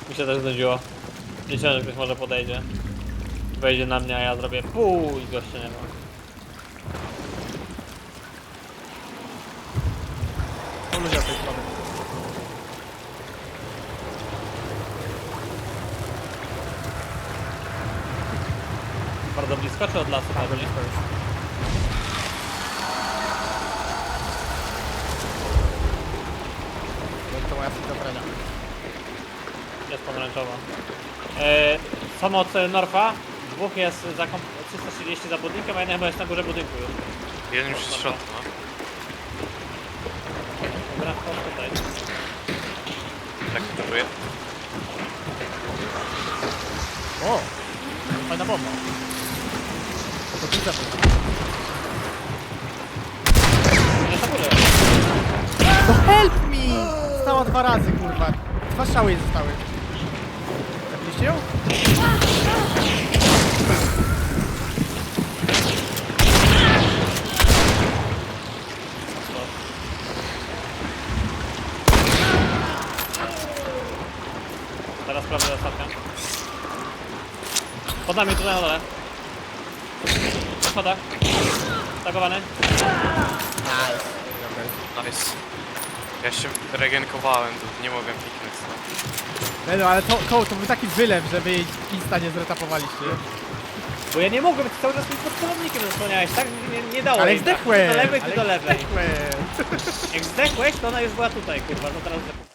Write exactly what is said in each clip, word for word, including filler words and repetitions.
Mi się też znudziło. Liczyłem, że ktoś może podejdzie. Wejdzie na mnie, a ja zrobię pół i gościa nie ma. To ludzie od tej strony. Bardzo blisko czy od lasu? Bardzo pewnie? blisko już. To moja schizofrenia. Jest pomarańczowa. Eee, samo od Norfa. Dwóch jest za kom- trzysta trzydzieści za budynkiem, a jeden chyba jest na górze budynku już. Jeden już jest w środku, no. Dobra, chodź tutaj. Tak to czuję. O! Fajna bomba. To ty zepnij. Nie na górze. No help me! Stała dwa razy, kurwa. Dwa strzały jej zostały. Zabiliście ją? Teraz sprawdzę ostatnią. Pod nami, tutaj na dole. Na schodach. Stagowany. Nice. Nice. Ja się regenkowałem, to nie mogłem piknąć stąd. Nie no, ale to, to, to był taki wylew, że wy jej insta nie zretapowaliście. Bo ja nie mogłem, ty cały czas mi pod celownikiem zasłaniałeś, tak? Nie, nie dało Ale jej, tak? zdechłeś! Ty do lewej, ty ale do lewej. zdechłeś. Jak zdechłeś, to ona już była tutaj, kurwa, no teraz zdechłeś.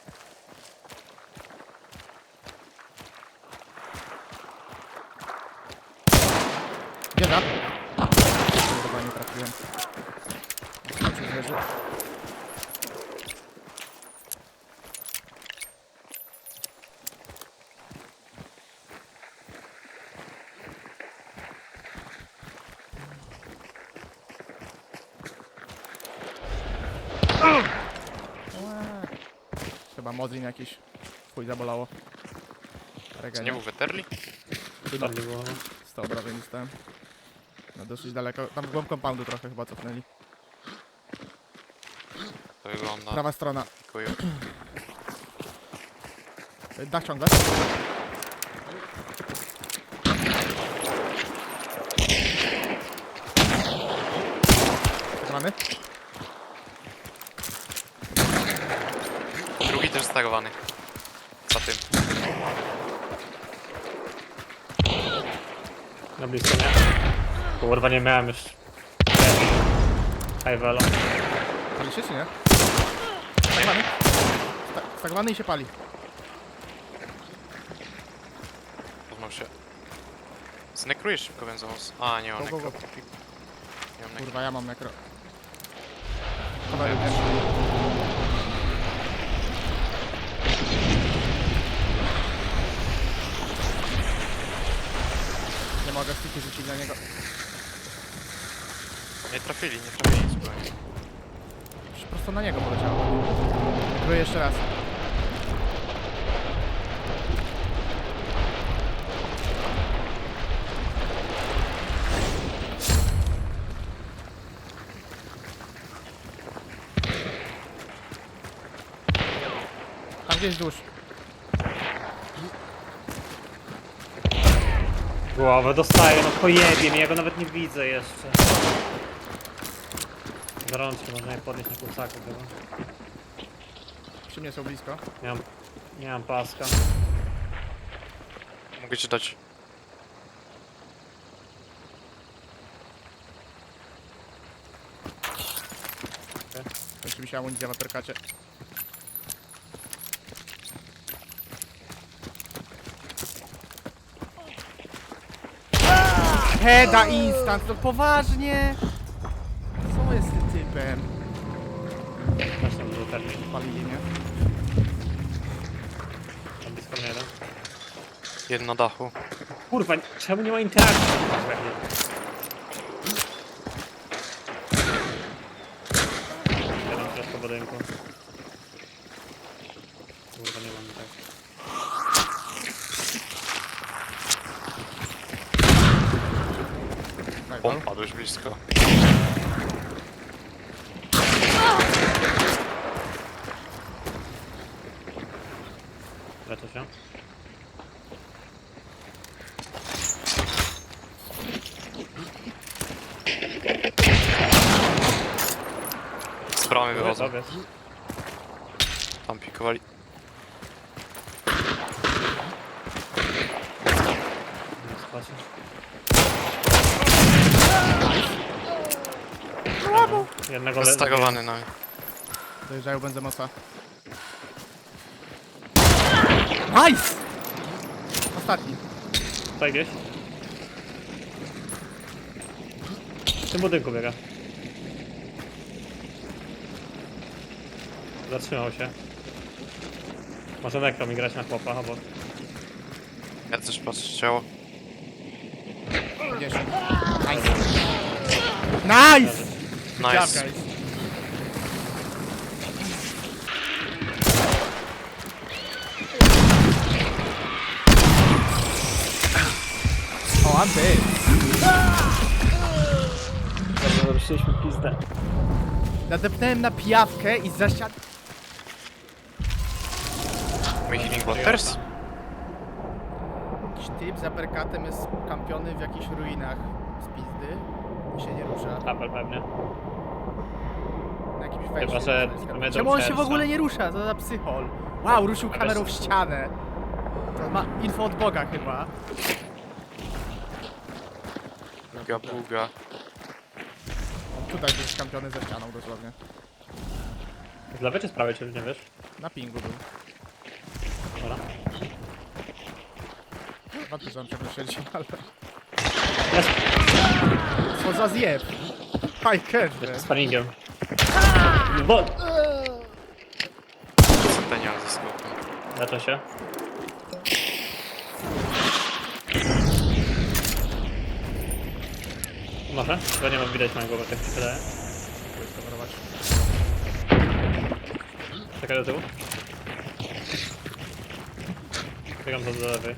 Gdzie za? Kurwa, nie trafiłem. Zobaczył, leży. Ła. Chyba Mozin jakiś. Chuj zabolało. Co, Regenie. nie był Weterli? Chyba Tam nie było. sto obrażeń dostałem. No dosyć daleko. Tam w głąb compoundu trochę chyba cofnęli. To wygląda. Prawa strona. Dziękuję. Dach ciągle. Zatrzymany. Drugi też stagowany. Za tym. Na blisko mnie. Kurwa, nie miałem już. High velo. Pali się czy nie? Stagowany. Sta stagowany i się pali. Poznał się. Znekrujesz szybko benzowóz. A, nie mam Go, go, nekro. go. Nie mam nekro. Kurwa, ja mam nekro. Kawałek nie. Nie mogę stiki rzucić na niego. Nie trafili, nie trafili zupełnie. Już prosto na niego poleciało. Próbuję jeszcze raz. Tam gdzieś wzdłuż. Głowę dostaję, no pojebie mnie, ja go nawet nie widzę jeszcze. Za rączki można je podnieść na kursaku chyba. Przy mnie są blisko. Nie mam, nie mam paska. Mogę ci dać. Kończy mi się amunicja w aperkacie. Heda instant, no poważnie! Co jest z tym typem? Właśnie był termin. Palili, nie? Tam blisko mnie jeden. Jeden na dachu. Kurwa, czemu nie ma interakcji? Jeden teraz po budynku. Kurwa, nie mam interakcji. Najpal. O, padłeś blisko. Leczę się. bramy wychodzą. Sobie. Tam pikowali. Spacie. Jednego le... Stagowany na mnie. Dojeżdżają Benzemosa. Nice! Ostatni. Tutaj gdzieś. W tym budynku biega. Zatrzymał się. Może nekro mi grać na chłopa obok. Ja też patrzę ciało. Gdzieś. Nice! Nice! Nice. Dziawka jest. O, Anty! Dobrze, zabraliśmy pizdę. Nadepnąłem na pijawkę i za ścian... My healing waters? Jakiś typ za perkatem jest kampiony w jakichś ruinach z pizdy i się nie rusza. Apel pewnie. Na jakimś wejściu. Chyba, że jest mamy do Czemu on się w przejścia. ogóle nie rusza? Co za psychol. Wow, ruszył Ale kamerą w s- ścianę. To ma info od Boga chyba. Buga, buga. On tutaj był skampiony ze ścianą dosłownie. Z lewej czy z prawej, czy nie wiesz? Na pingu był. Dobra. Wątpię, że on ciągle siedzi, ale... Jest, Co za zjeb! Haj, jest catch, z paningiem. Bo... Centenial ze skopem. Leczę się. Może? Chyba nie mam widać mojego, bo tak mi się wydaje. Czekaj do tyłu. Biegam do lewej.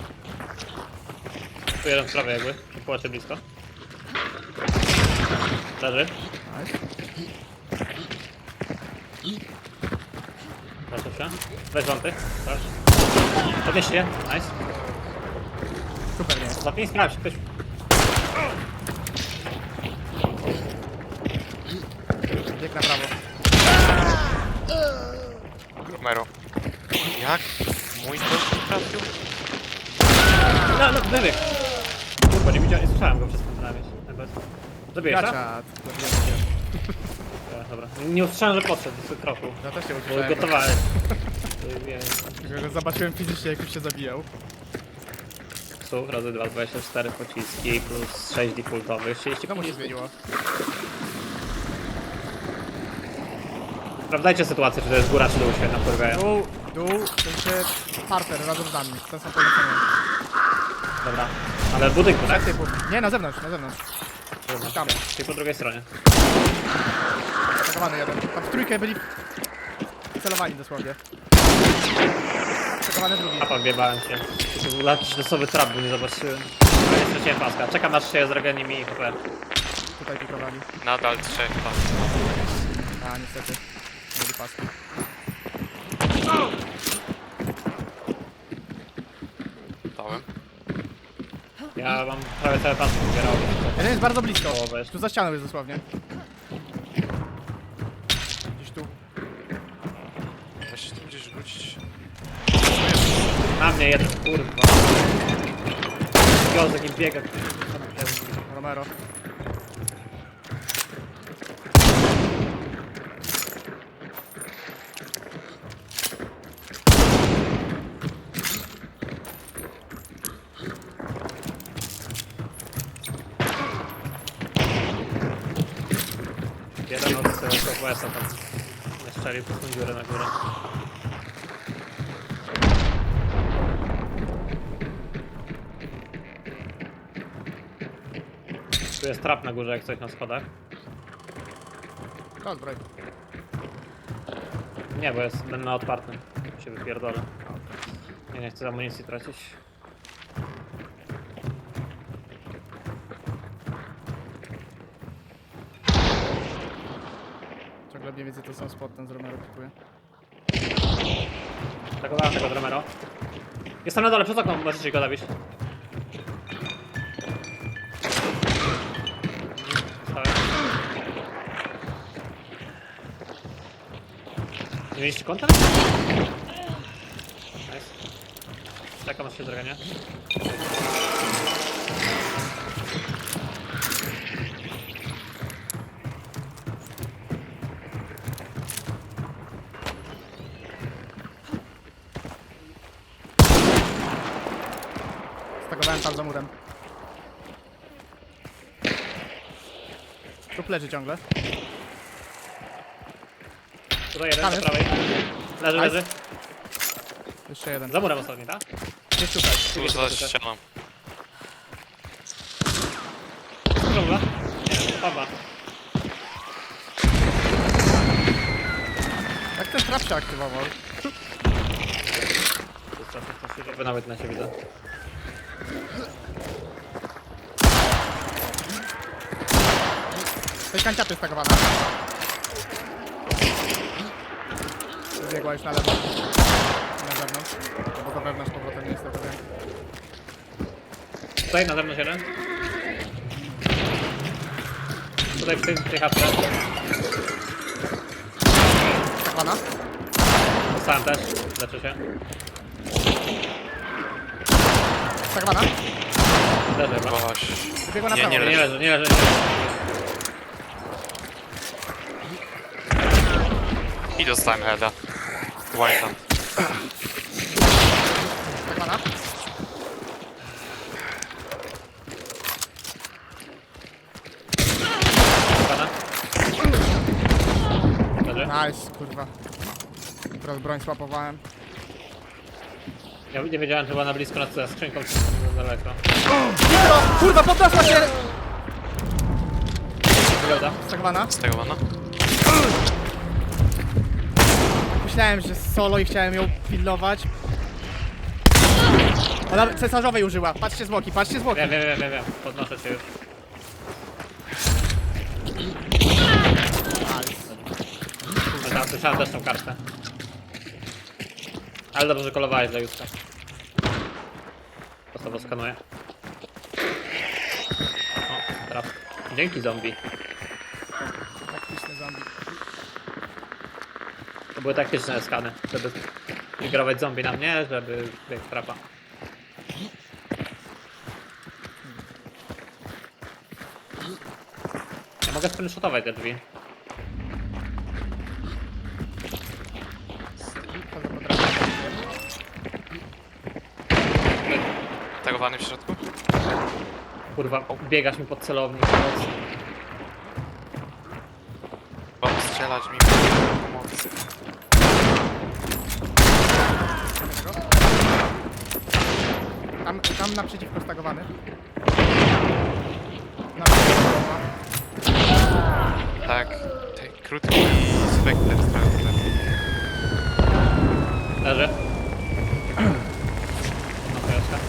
Tu jeden z prawej jakby, przy płacie blisko. Leży. Nice. Leczę się. Weź wąty. Sprawdź. Podnieś się. Nice. Super, nie. Zapnij, sprawdź. Ktoś... Bieg na prawo. Romero. Jak? Mój to trafił? No, no, wybieg. Kurwa, nie widziałem, nie słyszałem go przez ten ramię. Zabijesz, tak? Gracza. Zabiłem się. Ja, dobra. Nie usłyszałem, że podszedł z kroku. Ja też się Bo usłyszałem. gotowałem. Nie. Tylko, że zobaczyłem fizycznie, jak już się zabijał. Psów razy dwa, dwadzieścia cztery pociski plus sześć defaultowych, trzydzieści No mu się pocisków. zmieniło. Sprawdzajcie sytuację, czy to jest góra, czy dół się napływają. Dół, dół, w sensie parter razem z nami. Ten sam polecenie. Dobra. Ale w budynku, tak? Typów. Nie, na zewnątrz, na zewnątrz. Tam. Czyli po drugiej stronie. Atakowany jeden. Tam w trójkę byli celowani dosłownie. Atakowany drugi. Apa, wbiebałem się. To był jakiś losowy trap, bo nie zobaczyłem. Nie straciłem paska. Czekam aż się z regeniem i H P. Tutaj pikowali. Nadal trzech tam. A, niestety. Mieli paski. Dałem. Ja mam prawie cały pas zbierał. Jeden jest bardzo blisko. Połowę jeszcze. Tu za ścianą jest dosłownie. Gdzieś tu. Da się tu gdzieś rzucić. Na mnie jeden, kurwa. Gozek im biega. Romero. Jeden od Southwesta tam strzelił po tą dziurę na górę. Tu jest trap na górze, jak coś na schodach. To zbroj. Nie, bo jest ten na otwartym. Tu się wypierdolę. Nie, nie chcę amunicji tracić. Ciągle mniej więcej to są spot, ten z Romero pikuje. Atakowałem tego Romero. Jestem na dole, przez okno, możecie go zabić. Stałem. Nie mieliście konta? Nice. Taka masz się droga, nie? Stagowałem tam za murem. Tu leży ciągle. Tutaj jeden, Tam po jest. prawej. Leży, Nice. leży. Jeszcze jeden. Za murem ostatni, tak? Jest tutaj. Tu za ścianą. Dżungla? Nie, to Pawła. Jak ten trap się aktywował? To jest czasem coś się robi, nawet na siebie widzę. To jest kanciapy stagowana. Wybiegła już na lewo. Na zewnątrz. Bo do wewnątrz z powrotem nie jestem pewien. Tutaj na zewnątrz jeden. Tutaj w tej, w tej chatce. Stagowana. Dostałem też. Leczę się. Stagowana. Leży chyba. Boś. Wybiegła na Nie, prawo. nie Nie, nie leży, nie leży. Nie leży. I dostałem heada. White hand. Stagowana. Pana. Leży. Nice, kurwa. Teraz broń słapowałem. Ja nie wiedziałem, że była na blisko nad skrzynką, czy za daleko. Nitro! Kurwa, podniosła się! Wygląda. Stagowana. Z tego mana? Myślałem, że solo i chciałem ją pilnować. Ona cesarzowej użyła. Patrzcie zwłoki, patrzcie zwłoki. Wiem, wiem, wiem, wiem, wiem. Podnoszę się już. Ale tam słyszałem też tą kartę. Ale dobrze, że kolowałeś dla Juska. Po sobie skanuję. O, traf. Dzięki zombie. Taktyczny zombie. To były taktyczne skany, żeby migrować zombie na mnie, żeby biegł trapa. Ja mogę screenshotować te drzwi. To za potrafię. Tagowany w środku? Kurwa, biegasz mi pod celownik. Mocno. Bo strzelać mi pomocy. Tam, tam naprzeciwko stagowany. Naprzeciwko. Tak. Te krótki spekter strzelby. Leży. No to jest.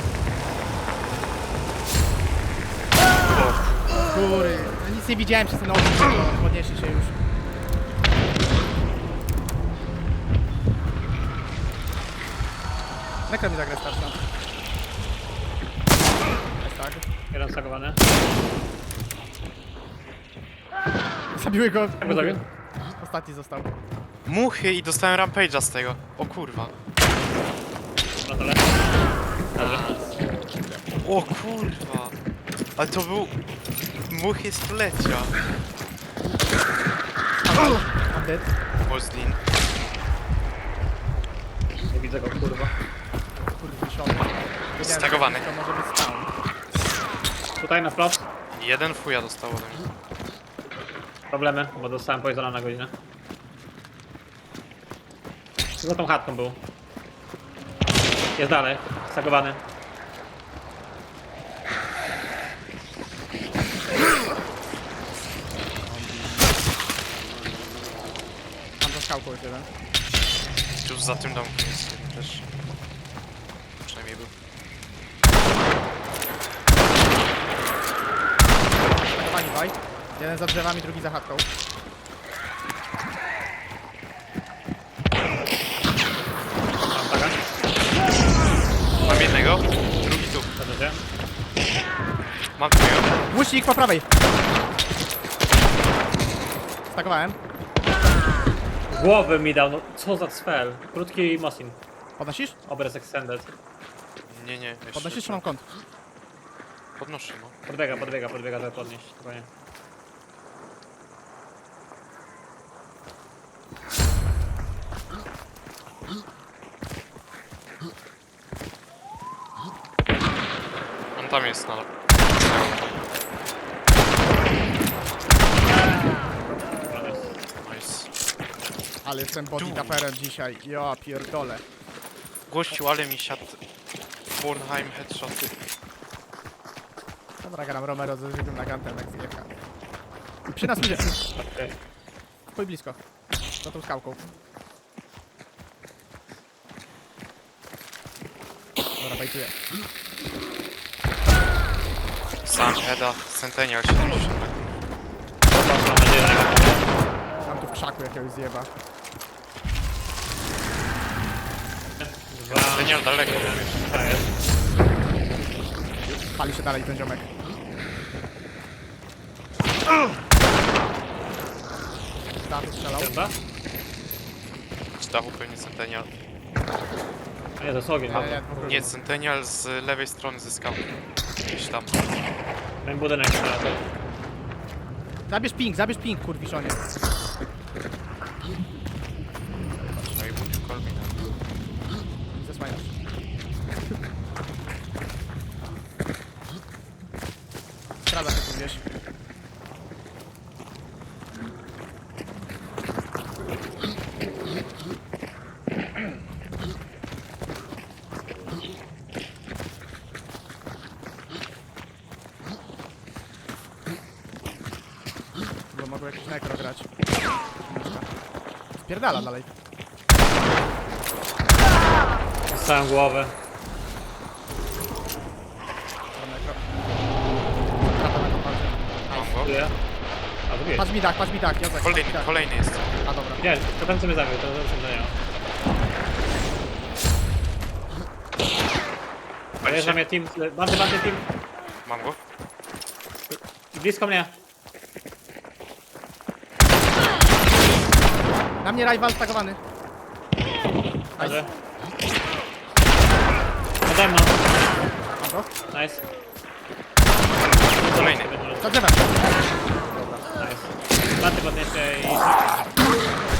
Góry. No nic nie widziałem przez ten ogień, to podnieśli się już. Nekro mi zagra starsza. Jest tak. Jeden stagowany. Zabiły go. go zabił? Ostatni został. Muchy i dostałem rampage'a z tego. O kurwa. Na dole. Leży. O kurwa. Ale to był... Muchy stulecia. I'm dead. Moslin. Nie widzę go, kurwa. Kurde, siodło. Wiedziałem, Stagowany. że To może być stał. Tutaj na wprost. Jeden fuja dostał ode mnie. Problemy, bo dostałem poisona na godzinę. Za tą chatką był. Jest dalej, stagowany. Mam za skałką już jeden. Już za tym domkiem jest jeden też. Przynajmniej był. Stagowani dwaj. Jeden za drzewami, drugi za chatką. Mam taga. Mam jednego, drugi tu. Leży się. Mam drugiego. Łucznik po prawej. Stagowałem. Głowę mi dał, no co za spell. Krótki Mosin. Podnosisz? Obraz extended. Nie, nie, jeszcze. Podnosisz czy mam kąt? Podnoszę, no. Podbiega, podbiega, podbiega, żeby podnieść. Spokojnie. On tam jest, no. Dobra, nice. Nice. Ale jestem body taperem dzisiaj. Ja pierdolę. Gościu, ale mi siadł. Bornheim headshot. Dobra, gram Romero ze zwykłym nagantem, jak zjechał. Przy nas idzie. Okej. Chuj blisko. Za tą skałką. Dobra, bajtuję. Sam heada, Centennial siedemdziesiąt. Mam nadzieję, że nie ma. Mam tu w krzaku jakiegoś zjeba. Dwa. Centennial daleko, wiesz. Tak jest. Pali się dalej ten ziomek. Tam strzelał. Chyba? Z dachu pewnie Centennial. A nie, to jest ogień. Nie, nie, dwóch Nie, ludzi. Centennial z lewej strony ze skałki. Gdzieś tam. Ten budynek strzela. Zabierz ping, zabierz ping, kurwiszonie. No i mówił Kolbina. Zasłaniasz. Skrada się tu gdzieś. Bo mogą jakiś nekro grać. Spierdala dalej. Dostałem głowę. Tam nekro. Trapa na kopalce. Mam go. Czuję. A, to wiesz. Patrz mi tak, patrz mi tak, Jozek, patrz mi Kolejny, tak. kolejny jest. A dobra. Wiesz, to ten co mnie zabił, to to nie. Dojeżdża mnie team, bandy, bandy team. Mam go. Blisko mnie. Na mnie rival stagowany. Dobrze. Nade mną. Mam go. Nice. Kolejny. Za drzewem. Nice. Bandy podniesie i...